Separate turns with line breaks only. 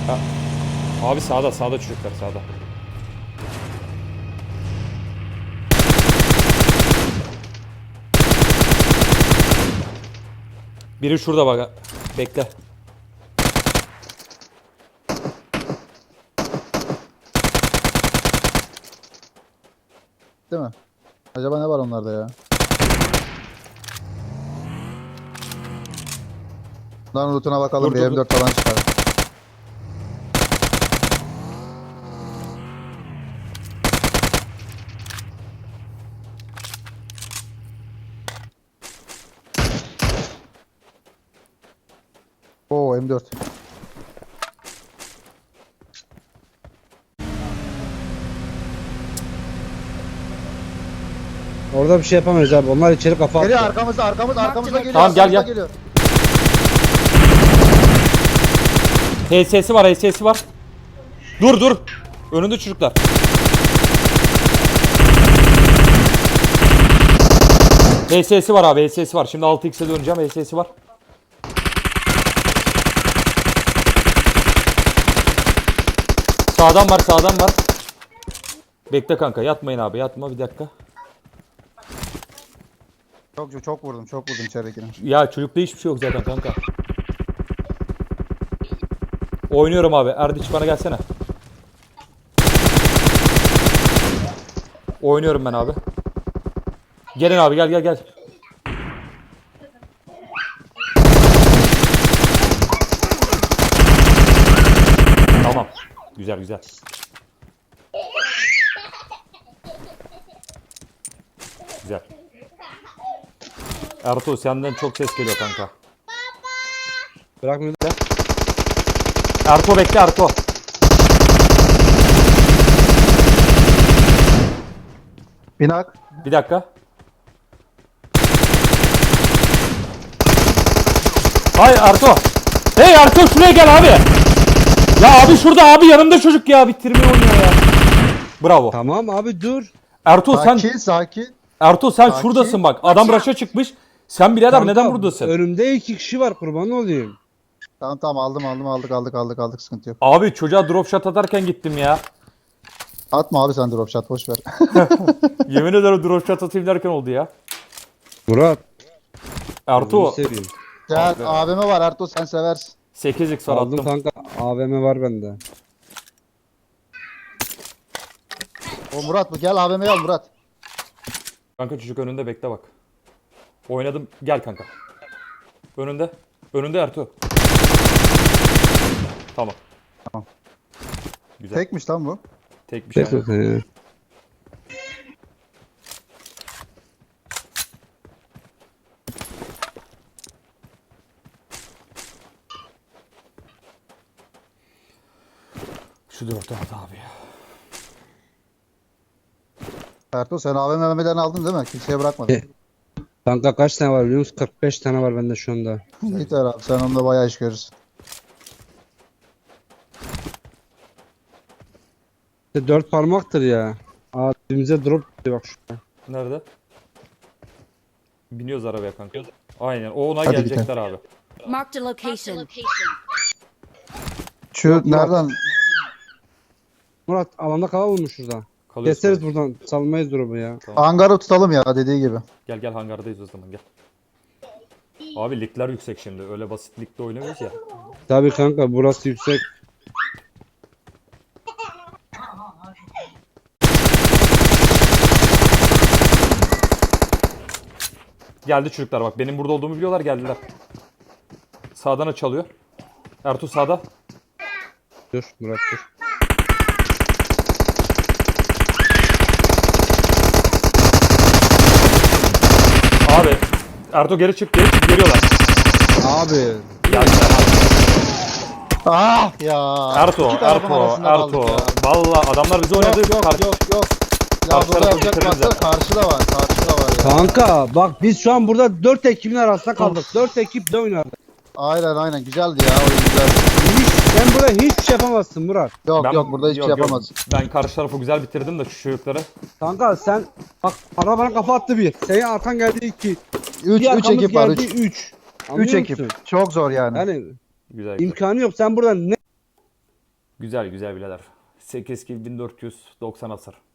Ha. Abi sağda çocuklar sağda. Biri şurada bak. Bekle.
Değil mi? Acaba ne var onlarda ya? Bunların lootuna bakalım,
Dur,
bir
dur,
M4 falan çıkar. Oo, M4.
Orada bir şey yapamayız abi. Onlar içeri kafa
Geliyor
attı.
arkamızda geliyor.
Tamam, gel,
arkamızda
gel.
geliyor.
HS'si var, HS'si var. Dur. Önünde çocuklar. HS'si var abi, HS'si var. Şimdi 6x'e döneceğim, HS'si var. Sağdan var. Bekle kanka, yatmayın abi, yatma bir dakika.
Çok vurdum içeridekine.
Ya çocukta hiçbir şey yok zaten kanka. Oynuyorum abi. Erdiç bana gelsene. Oynuyorum ben abi. Gelin abi, gel. Tamam. Güzel. Güzel. Ertuğ senden çok ses geliyor kanka.
Bırakmıyor.
Ertuğ bekle Ertuğ.
Binak.
Bir dakika. Hay Ertuğ. Hey Ertuğ şuraya gel abi. Ya abi şurada abi, yanımda çocuk ya, bitirmeyi oynuyor ya. Bravo.
Tamam abi dur.
Ertuğ sen
Sakin.
Ertuğ sen
Sakin.
şuradasın bak. Adam raşa çıkmış. Sen birader
Kanka,
neden buradasın?
Önümde 2 kişi var, kurban olayım.
Tamam aldık, sıkıntı yok.
Abi çocuğa drop shot atarken gittim ya.
Atma abi sen drop shot, boş ver.
Yemin ederim drop shot atayım derken oldu ya.
Murat.
Ertuğ
gözünü seveyim.
Gel AVM var Ertuğ, sen seversin.
8x var
Aldım
attım.
kanka. AVM var bende.
O Murat bu, gel AVM'yi al Murat.
Kanka çocuk önünde, bekle bak. Oynadım, gel kanka. Önünde Ertuğ. Tamam. Güzel.
Tekmiş lan bu.
Tek bir şey.
Tek yok.
Şu 4 at abi ya.
Ertuğ sen AVM'den aldın değil mi? Kimseye bırakmadın.
Kanka kaç tane var biliyor musun? 45 tane var bende şu anda.
Yeter abi, sen onunla bayağı iş görürsün.
İşte 4 parmaktır ya. Aa dibimize drop gitti bak şurada.
Nerede? Biniyoruz arabaya kanka. Aynen. O ona
Hadi
gelecekler abi.
Marked a location.
Şu nereden?
Murat alanda kalalım mı şurada?
Kalıyoruz.
Keseriz buradan. Salmayız drop'u ya.
Hangarı tutalım ya, dediği gibi.
Gel hangardayız o zaman, gel. Abi ligler yüksek şimdi. Öyle basit ligde oynamıyoruz ya.
Tabii kanka burası yüksek.
Geldi çocuklar bak. Benim burada olduğumu biliyorlar, geldiler. Sağdan açılıyor. Ertuğ sağda.
Dur Murat dur.
Abi. Ertuğ geri çık geliyorlar.
Abi.
Geldiler abi.
Ah ya.
Ertuğ.
İki tarafın arasında kaldık ya.
Valla adamlar bizi oynadı.
Yok. Ya
Karşı
burada
tarafı
yapacak
bitiririz
varsa
zaten.
karşıda var ya.
Kanka bak biz şu an burada 4 ekibin arasında kaldık. 4 ekip de oynadı.
Aynen güzeldi ya, oyun güzel.
Sen burada hiçbir şey yapamazsın Murat.
Yok burada hiçbir şey yapamaz.
Ben karşı tarafı güzel bitirdim de şu çocukları.
Kanka sen bak arabana kafa attı bir. Senin arkan geldi 2.
3 ekip var, 3.
3.
3 ekip. Çok zor yani.
Yani
Güzel.
imkanı yok. Sen burada ne
Güzel güzel birader. 8 kill 1490 hasar.